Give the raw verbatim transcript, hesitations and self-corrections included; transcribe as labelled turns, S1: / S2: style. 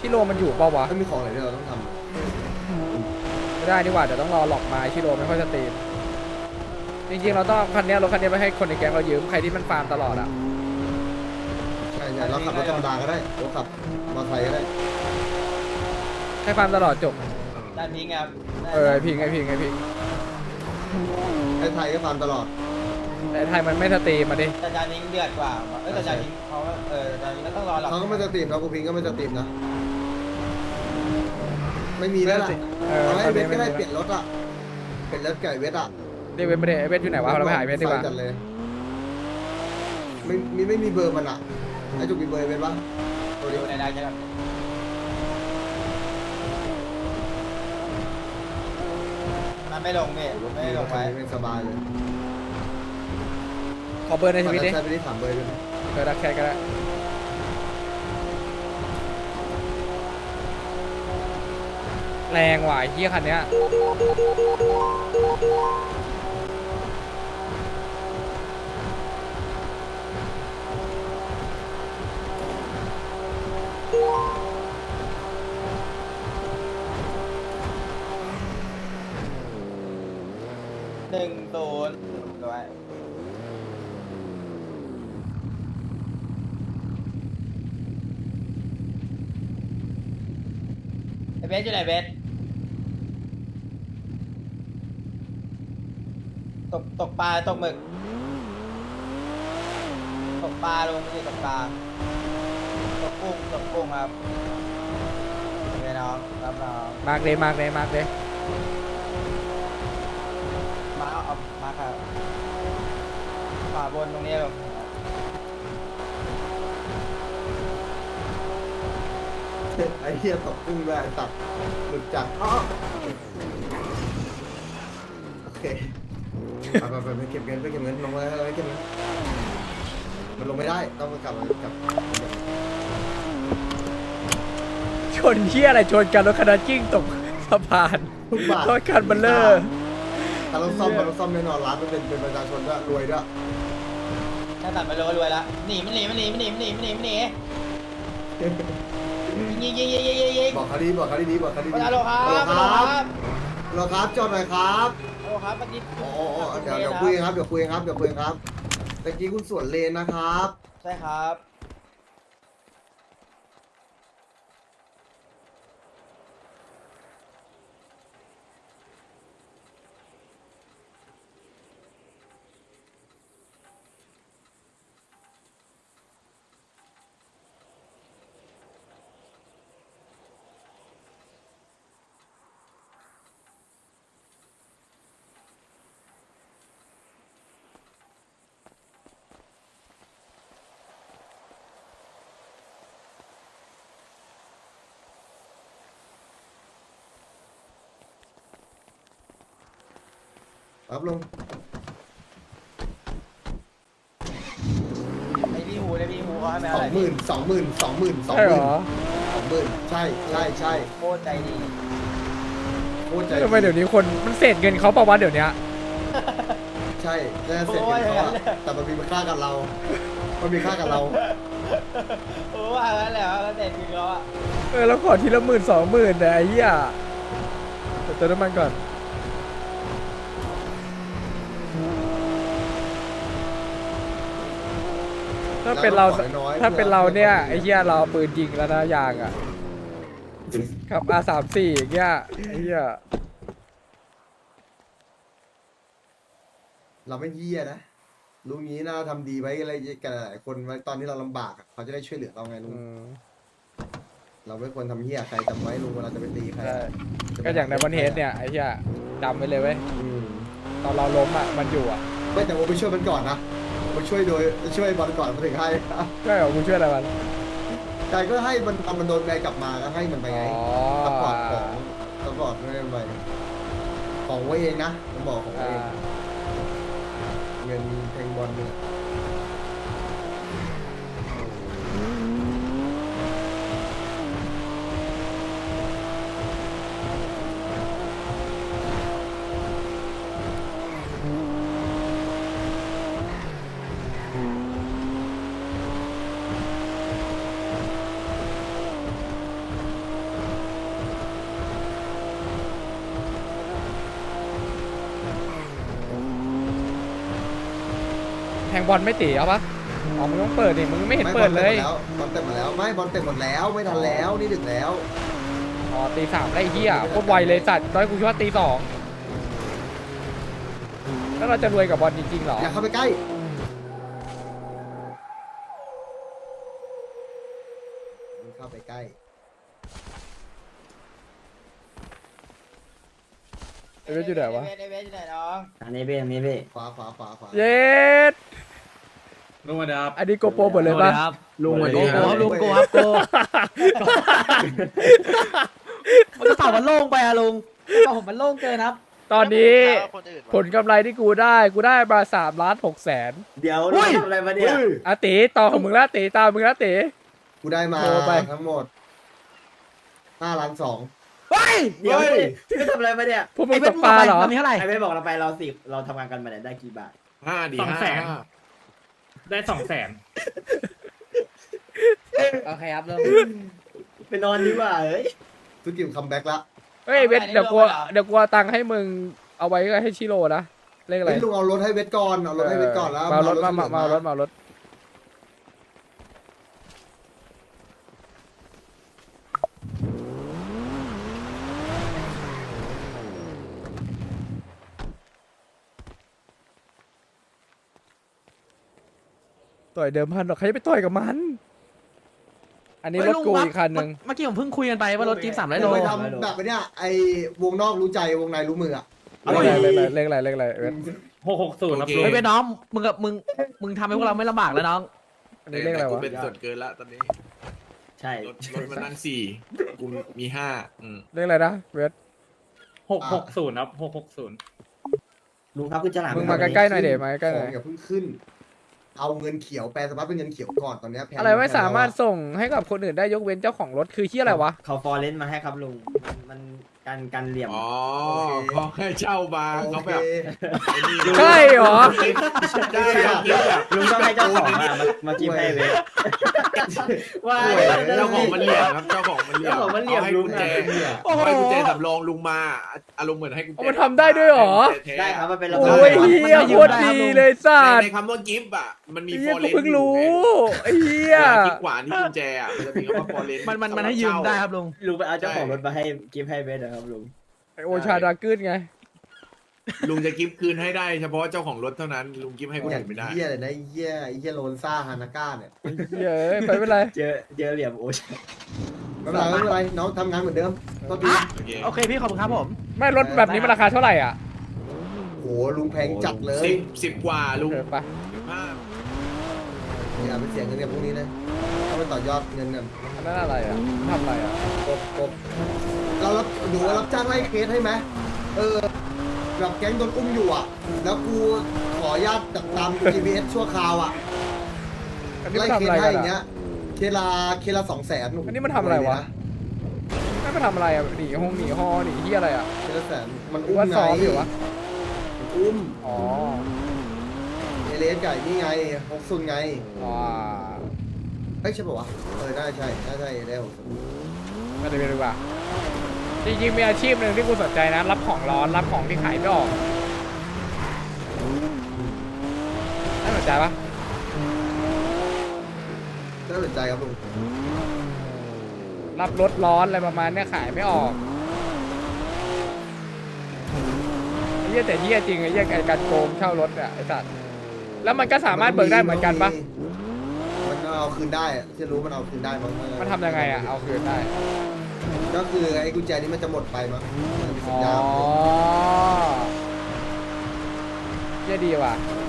S1: ชิโร่มันอยู่เปล่าวะ
S2: ถ้ามีของอะไรที่เราต้องทำอะ
S1: ไม่ได้ดีกว่าเดี๋ยวต้องรอหลอกมาชิโร่ไม่ค่อยสตรีมจริงๆเราต้องเอาคันเนี้ยรถคันเนี้ยไปให้คนในแก๊งเรายืมใครที่มันฟาร์มตลอดอ่ะ
S2: ใช่ใช่เราขับรถธรรมดาก็ได้เราขับมอเตอร์ไซค์ก็ได้
S1: ให้ฟาร์มตลอดจบ
S3: ด้านนี้ครับ
S1: เออไอพิงไอพิงไอพิง
S2: ไอ้ไทยก็ฟาร์มตลอด
S1: แต่ไทยมันไม่สตรีมมาดิ
S3: แต่จานนี้เดือดกว่าเออแต่จานนี้เขาเออจานนี้ก็ต้องรอหรอก
S2: เขาก็ไม่จะตีมนะกูพิงก็ไม่จะตีมนะไม่มีแล้วล่ะ
S1: เออ
S2: เอาให้
S1: ตอน
S2: เว
S1: นี้
S2: ท
S1: ไม่
S2: ก็ได้
S1: มี
S2: เปลี่ยนรถอ่ะเปลี่ยนรถไก่เวทอ่ะ
S1: เรียกเวทไม่ได้เวทอยู่ไหนวะเราไปหาเวทดีกว่า
S2: จัดเลยไม่มีไม่มีเบอร์มันอ่ะไอ้จุกมีเบอร์เวทปะตัว
S3: ดู
S2: นี้
S3: ในได้ใช่ไหมมันไม่ลงพี่ไม่ลงไป
S2: ไม่สบายเลย
S1: ขอเบอร์ในทวิตดิ
S2: ใช่ไปที่ถามเบอร์ด้วยนะ
S1: เบอร์รักแค่ก็ได้แรงว่ะไอ้เหี้ยคันเนี้ย
S3: หนึ่งศูนย์ด้วยไอเบสอยู่ไหนเบสตกตกปลาตกหมึกตกปลาลงไม่ใช่ตกปลาตกกุ้งตกกุ้งครับโอเคน้องรับน้อง
S1: มากเลยมากเลยมากเลย
S3: มาเอาเอามาครับขวาบนตรงนี้ลง
S2: ไอ้เหี้ยตกกุ้งด้วยไอ้ตัดหลุดจากอ้อโอเคไปไปไปไปเก็บเงินไปเก็บเงินลงมาไปเก็บเงินมันลงไม่ได้ต้องกลับมากลับ
S1: ชนเหี้ยอะไรชนกันรถคันนั้นกิ้งตกสะพาน
S2: ทุกบาท
S1: รถคันเบัลเลอร์
S2: ถ้าเราซ่อมเราซ่อมแน่นอนร้านมันเป็นเป็นประชาชนด้วยรวยด้วย
S3: ถ้าตัดไปรวยรวยละหนีมันหนีมันหนีมันหนีมันหนีมันหนีมันหนียิงยิงยิงยิงยิงยิง
S2: บอกเขาดีบอกเขาดีดีบอกเขาดี
S3: ฮั
S2: ดี
S3: ลโหลครับ
S2: ฮัล
S3: ฮัล
S2: โห
S3: โห
S2: ล
S3: ล
S2: ค
S3: ค
S2: รั
S3: รั
S2: บบ ฮัลโหลครับจอดหน่อยครับ
S3: ฮัลโหลครับเมื่อกี้
S2: โอ้โอ้เดี๋ยวเดี๋ยวคุยกันครับเดี๋ยวคุยกันครับเดี๋ยวคุยกันครับตะกี้คุณสวนเลนนะครับ
S3: ใช่ครับ
S2: ครับลุง
S3: ไอพี่หูไอพี่หูเขาให้ไหม
S2: ส
S3: อะ
S2: อ
S3: ไรง
S2: หมื่นสองหมื่นสองหมื่นสอง
S1: ใช่
S2: ห
S1: เหร
S2: มื่น
S1: อ
S2: สองหมื่นใช่ใช่ใช่
S3: โคตรใจดี
S2: โคตรใจ
S1: ทำไมเดี๋ยวนี้คนมันเศษเงินเขาประวัติเดี๋ยวนี้
S2: ใช่น่าจะเสร็จกันเขาอะแต่มันมีค่ากับเรา มันมีค่ากับเรา
S3: โอ้ว่างั้นแหละก็เด็ดจริงแล้วอ่ะ
S1: เออแล้วขอทีละหมื่นสองหมื่นแต่ไอ้เหี้ยเดี๋ยวเติมน้ำมันก่อนถ้าเป็นเรา
S2: แล้วก็ขอน้อยๆ
S1: ถ้าเป็นเราเนี่ย
S2: เพื่อ
S1: ไอ้เหี้ยเราเอาปืนยิงแล้วนะยางอ่ะขับ อาร์ สามสิบสี่ อย่างเงี้ยไอ้เหี้ย
S2: เราไม่เหี้ยนะลุงนี้น่าทำดีไว้อะไรกันหลายคนไว้ตอนที่เราลำบากอะเขาจะได้ช่วยเหลือเราไงลุง
S1: อืม
S2: เราไม่ควรทำเหี้ยใครจำไว้ลุงเวลาจะไปตีใคร
S1: ใช่
S2: อะ
S1: ก็อย่างในวันเฮดเนี่ยไอ้เหี้ยจำไว้เลยเว้ย
S2: อืม
S1: ตอนเราล้มอ่ะมันอยู่อ่ะ
S2: ไม่แต่ว่าไปช่วยมันก่อนนะไปช่วยโดยช่วยบอลก่อนมาถึงให้
S1: ก็เหรอกูช่วยอะไรมัน
S2: ใจก็ให้มันทำมันโดนแบนกลับมาก็ให้มันไปไง
S1: อ๋อ
S2: ซัพพอร์ตของซัพพอร์ตไม่ไปของไว้เองนะผมบอกของไว้
S1: อ่า
S2: เองเงินเพลงบอลเนี่ย
S1: แทงบอลไม่ตีเอาปะอ๋อมึงต้องเปิดดิมึงไม่เห็นเปิดเลย
S2: บอลเต็มหมดแล้วไม่บอลเต็มหมดแล้วไม่ทันแล้วนี่ดึกแล้ว
S1: อ๋อตีสามได้ไอ้เหี้ยโคตรไวเลยสัตว์ตอนนนกูคิดว่าตีสองแล้วเราจะรวยกับบอลจริงๆเหรอ
S2: อย่าเข้าไปใกล้มึงเข้าไปใกล้
S1: ไอ้เวทอยู่ไหนวะ
S3: เวทเวทอยู่ไหนน้อง
S4: อันนี้พี่อันนี้พี่
S2: ขวาขวาขวาขวา
S1: เย็ด
S5: ลุงมาดับ
S1: อันนี้โกโปรหมดเลยปะ
S4: ลุง
S5: สวั
S4: วัน
S5: สดี
S4: นี้
S5: ครับ
S4: ลุงโกครับโกมันกระเป๋ามันโล่งไปอะลุงกระเป๋าผมมันโล่งเกินครับ
S1: ตอนนี้ผลกำไรที่กูได้กูได้มาสามล้านหกแสน
S4: เดี๋ยวลุงทำอะไรมาเนี่ย
S1: อาตีต่อของมึงละตีตามมึงละตี
S2: กูได้มา
S1: โทรไป
S2: ทั้งหมดห้าล้านสอง
S4: เฮ้ยเดี๋ยวดิพี่ทำอะไรมาเนี่ย
S1: พวกมึงตกปลาเหรอ
S4: ไอ้เท่าไหร่ไอ้เบสบอกเราไปเราสิบเราทำงานกันมาเนี่ยได้กี่บาท
S5: ห้าดี
S6: สองแสน
S5: ห้า
S6: ได้สองแสน
S4: โอเคครับลุงไปนอนดีกว่าเฮ้ย
S2: ทุกทีมคัมแบ็กละ
S1: เฮ้ยเวทเดี๋ยวกูเดี๋ยวกูเอาตังค์ให้มึงเอาไว้ให้ชิโร่นะเลขอะไร
S2: เฮ้ยลุงเอารถให้เวทก่อนเอารถให้เวทก่อนแล้ว
S1: มาเอารถมา
S2: ที่
S1: มา
S2: เหลือ
S1: มาเอารถมาเอารถต่อยเดิมพันหรอกใครจะไปต่อยกับมัน อันนี้รถกูอีกคันหนึ่ง
S4: เมื่อกี้ผมเพิ่งคุยกันไปว่ารถจี๊ปสามร้อยโล
S2: ลุงไปทำแบบไอ้เนี้ยไอ้วงนอกรู้ใจวงในรู้มืออะ
S1: เลขอะไรเลขอะไรเลขอะไรเลขอะไรเวท
S6: หกหกศูนย์ครับลุง
S4: เฮ้ยเว้ยน้องมึงกับมึงมึงทำให้พวกเราไม่ลำบากแล้วน้อง
S1: อันนี้เลขอะไร
S5: กู
S1: วะ
S5: เป็นส่วนเกินละตอนนี้
S4: ใช่
S5: รถรถมันนั่งสี่กูมีห้าอืม
S1: เลขอะไรนะเวท
S6: หกหกศูนย์ครับหกหกศูนย์
S4: ลุงครับคุณจะหลาม
S1: มึงมาใกล้ๆหน่อยเดี๋ยวมาใกล้ๆห
S2: ข
S1: น่
S2: อ
S1: อง ย
S2: อย่าเพิ่งขึ้น เอาเงินเขียวแปลสภาพเป็นเงินเขียวก่อนตอนเนี้ยแพง
S1: อะไรไม่สามารถส่งให้กับคนอื่นได้ยกเว้นเจ้าของรถคือที่อะไรวะ
S4: เขาฟอร์เรนมาให้ครับลุงมันกันกันเหลี่ยม
S5: อ๋อเขาให้เช่ามา
S2: โอ
S5: เขา
S2: เค
S5: แบบไอ้นี่
S1: ใช่เหรอ
S5: ได้ครับแบบ
S4: ลุงต้องให้เจ้าของมามามากินให้เว้ยว่า
S5: เจ้าของมันเหลี่ยมครับเจ้าของมันเหลี่ยม
S4: เจ้าของมันเหลี่ยม
S5: อาให้
S4: ลุ
S5: กุ
S4: ง
S5: ญแจ
S4: อะ
S5: เอาให้กุญแจสำรองลุงมาอารมณ์เหมือนให้กุญแจ
S1: เอามาทำได้ด้วยเหรอ
S4: ได้ครับมันเป็นระบบ
S1: โอ้ยเฮียโคตรดีเลยสั
S5: ใน
S1: ตว์
S5: ในคำว่ากิฟต์อ่ะมันมี
S1: เฮี
S5: ฟ
S1: ย
S5: อร์
S1: กู
S5: เรน
S1: เพิ่งรู้ไอ้เฮีย
S5: กิฟต์กว่านี่กุญแจอ่ะมันจะมีคำว่าฟอร์เรน
S4: มันมันมันให้ยืมได้ครับลุงลุงไปเอาเจ้าของรถมาให้กิฟต์ให้เว้ยนะครับลุง
S1: ไอโอชาดากืนไง
S5: ลุงจะกิฟต์คืนให้ได้เฉพาะเจ้าของรถเท่านั้นลุงกิฟต์ให้คน
S2: อย่า
S5: อื่
S2: ง
S5: นไม่ได้
S2: เหี้ยเลยนะไอ้เหี้ยไอ้เหี้ยโลนซ่าฮานาก้าเนี่ย
S1: เฮียเอ้ยไปไม่เป็นไร
S4: เจอเจอเหลี่ยมโอ้ย
S2: ไม่เป็นไรไม่เป็นไรน้องทำงานเหมือนเดิมก็ดี
S5: โอเค
S4: โอเคพี่ขอบคุณครับผม
S1: ไม่รถแบบนี้มันราคาเท่าไหร่อ่ะ
S2: โหลุงแพงจัดเลย
S5: สิบสิบกว่าลุง
S1: เออไป
S5: ห้า
S2: อย่าไปเสียเงินกับพวกนี้นะต้องไปต่อยอดเงินกัน
S1: อันนั้นอะไรอ่ะทำอะไรอ่ะ
S2: กบกบเรารับดูว่ารับจ้างไล่เคสให้ไหมเออแบบแก๊งโดนอุ้มอยู่อ่ะ แล้วกูขออนุญาตจับตาม จี พี เอส ชั่วคราวอ่ะ
S1: อันนี้
S2: ไล่
S1: มัน
S2: เค
S1: ทำ
S2: ส
S1: อะไร
S2: ให้
S1: กัน
S2: อย่างเงี้
S1: อ่ะ
S2: ยเคสละเคสละสองแสน
S1: อันนี้มันทำอะไรวะ ไม่มาทำอะไรอ่ะหนีห้องหนีฮอหนีเฮียอะไรอ่ะ
S2: เคสละแสนมัน
S1: หรือ
S2: อุ้ม
S1: ว่า
S2: ไง
S1: ซ้อมอยู่วะ
S2: มันอุ้ม
S1: อ๋อ
S2: เอเลสไก่นี่ไงฮกซุนไง
S1: ว้า
S2: เฮ้ยใช่ป่าวะเออได้ใช่ได้ใช่ได้ฮกซุน
S1: ไม่ได้ไปดีกว่าจริงๆมีอาชีพหนึ่งที่กูสนใจนะ รับของร้อนรับของที่ขายไม่ออกน่าสนใจปะ
S2: น่าสนใจครับลุง
S1: รับรถร้อนอะไรประมาณเนี้ยขายไม่ออกไอ้เหี้ยแต่เหี้ยจริงไอ้เหี้ยไอ้การโกงเช่ารถอ่ะไอ้สัตว์แล้วมันก็สามารถเบิกได้เหมือนกันปะ
S2: มันเอาคืนได้อะจะรู้มันเอาคืนได้มั้ง
S1: มันทำยังไงอ่ะเอาคืนได้
S2: ก็คือไอ้กุญแจนี้มันจะหมดไปมั้งมันจะมีสั
S1: อ๋
S2: ญ
S1: อ
S2: ญาณ
S1: เหี้ยดีว่ะ